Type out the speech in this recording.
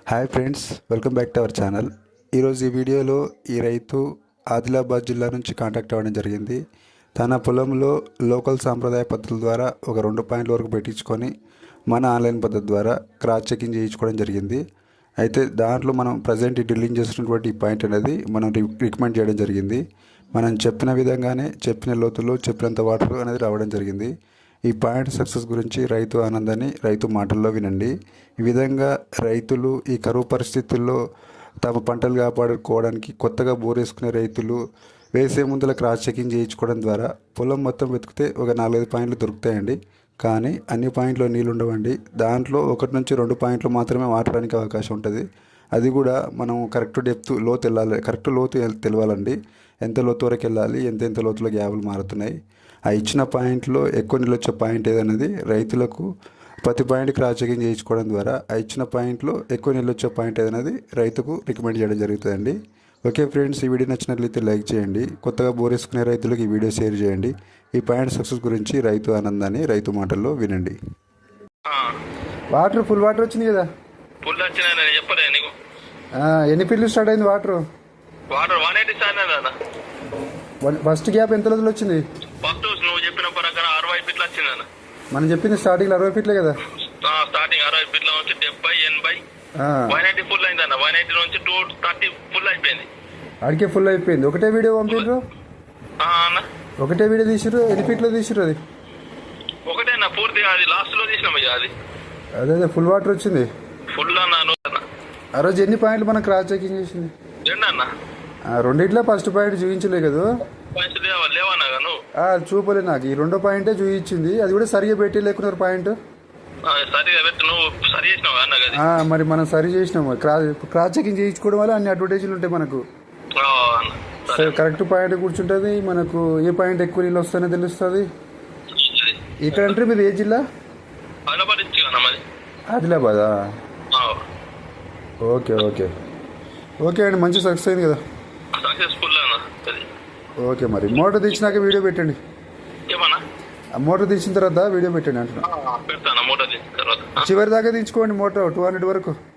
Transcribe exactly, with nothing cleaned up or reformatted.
Hi friends, welcome back to our channel. ఈరోజు ఈ వీడియోలో ఈ రైతు ఆదిలాబాద్ జిల్లా నుంచి కాంటాక్ట్ అవ్వడం జరిగింది. తన పొలంలో లోకల్ సాంప్రదాయ పద్ధతుల ద్వారా ఒక రెండు పాయింట్ల వరకు పెట్టించుకొని మన ఆన్లైన్ పద్ధతి ద్వారా క్రాస్ చెకింగ్ చేయించుకోవడం జరిగింది. అయితే దాంట్లో మనం ప్రజెంట్ డ్రిల్లింగ్ చేస్తున్నటువంటి ఈ పాయింట్ అనేది మనం రికమెండ్ చేయడం జరిగింది. మనం చెప్పిన విధంగానే చెప్పిన లోతులో చెప్పినంత వాటర్ అనేది రావడం జరిగింది. ఈ పాయింట్ సక్సెస్ గురించి రైతు ఆనందాన్ని రైతు మాటల్లో వినండి. ఈ విధంగా రైతులు ఈ కరువు పరిస్థితుల్లో తమ పంటలు కాపాడుకోవడానికి కొత్తగా బోరేసుకునే రైతులు వేసే ముందుల క్రాస్ చెకింగ్ చేయించుకోవడం ద్వారా పొలం మొత్తం వెతికితే ఒక నాలుగైదు పాయింట్లు దొరుకుతాయండి. కానీ అన్ని పాయింట్లో నీళ్ళు ఉండవండి. దాంట్లో ఒకటి నుంచి రెండు పాయింట్లు మాత్రమే వాడడానికి అవకాశం ఉంటుంది. అది కూడా మనం కరెక్ట్ డెప్త్ లోతు వెళ్ళాలి, కరెక్ట్ లోతు తెలవాలండి. ఎంత లోతు వరకు వెళ్ళాలి, ఎంత ఎంత లోతులో గ్యాపులు మారుతున్నాయి. ఆ ఇచ్చిన పాయింట్లో ఎక్కువ నీళ్ళు వచ్చే పాయింట్ ఏదన్నది రైతులకు ప్రతి పాయింట్ క్రాస్ చెకింగ్ చేయించుకోవడం ద్వారా ఆ ఇచ్చిన పాయింట్లో ఎక్కువ నీళ్ళు వచ్చే పాయింట్ ఏదన్నది రైతుకు రికమెండ్ చేయడం జరుగుతుందండి. ఓకే ఫ్రెండ్స్, ఈ వీడియో నచ్చినట్లయితే లైక్ చేయండి. కొత్తగా బోరేసుకునే రైతులకు ఈ వీడియో షేర్ చేయండి. ఈ పాయింట్ సక్సెస్ గురించి రైతు ఆనందాన్ని రైతు మాటల్లో వినండి. వాటర్ ఫుల్ వాటర్ వచ్చింది కదా? ఫుల్ వచ్చినా చెప్పలే నీకు? ఎన్ని ఫీట్లు స్టార్ట్ అయింది water? Water one eighty start. First gap ఎంత రోజులు వచ్చింది? ఫస్ట్ నువ్వు చెప్పిన ప్రకారం అరవై ఫీట్లు వచ్చిందన్న. మనం చెప్పింది స్టార్టింగ్ అరవై ఫీట్లే కదా? స్టార్టింగ్ అరవై ఫీట్ల నుంచి డెబ్బై ఎనభై వన్ ఎయిటీ ఫుల్ అయిందన్న. వన్ ఎయిటీ నుంచి టూ థర్టీ ఫుల్ అయిపోయింది. అడిగే ఫుల్ అయిపోయింది. ఒకటే వీడియో పంపిండ్రు? అన్న ఒకటే వీడియో తీసిరు? ఎన్ని ఫీట్లో తీసిరు అది? ఒకటే అన్న, పూర్తిగా అది లాస్ట్ లో తీసినాం. అది అదే అదే ఫుల్ వాటర్ వచ్చింది. ఫుల్ అన్న. ఆ రోజు ఎన్ని పాయింట్లు మనం క్రాస్ చెకింగ్ చేసింది? రెండు అన్న. రెండిట్లో ఫస్ట్ పాయింట్ చూపించలే కదా? చూపలే నాకు. ఈ రెండో పాయింటే చూపించింది. అది కూడా సరిగా పెట్టి లేకున్నారు పాయింట్. మరి మనం సరి చేసినాం. క్రాస్ క్రాస్ చెకింగ్ చేయించుకోవడం వల్ల అన్ని అడ్వర్టైజ్లు ఉంటాయి మనకు. కరెక్ట్ పాయింట్ కూర్చుంటుంది. మనకు ఏ పాయింట్ ఎక్కువ నీళ్ళు వస్తాయో తెలుస్తుంది. ఇక్కడ అంటే మీరు ఏ జిల్లా? ఆదిలాబాదా? ఓకే ఓకే ఓకే అండి, మంచి సక్సెస్ అయింది కదా? ఓకే, మరి మోటార్ తీసినాక వీడియో పెట్టండి. మోటార్ తీసిన తర్వాత వీడియో పెట్టండి అంటున్నా. చివరి దాకా తీసుకోండి మోటార్ టూ హండ్రెడ్ వరకు.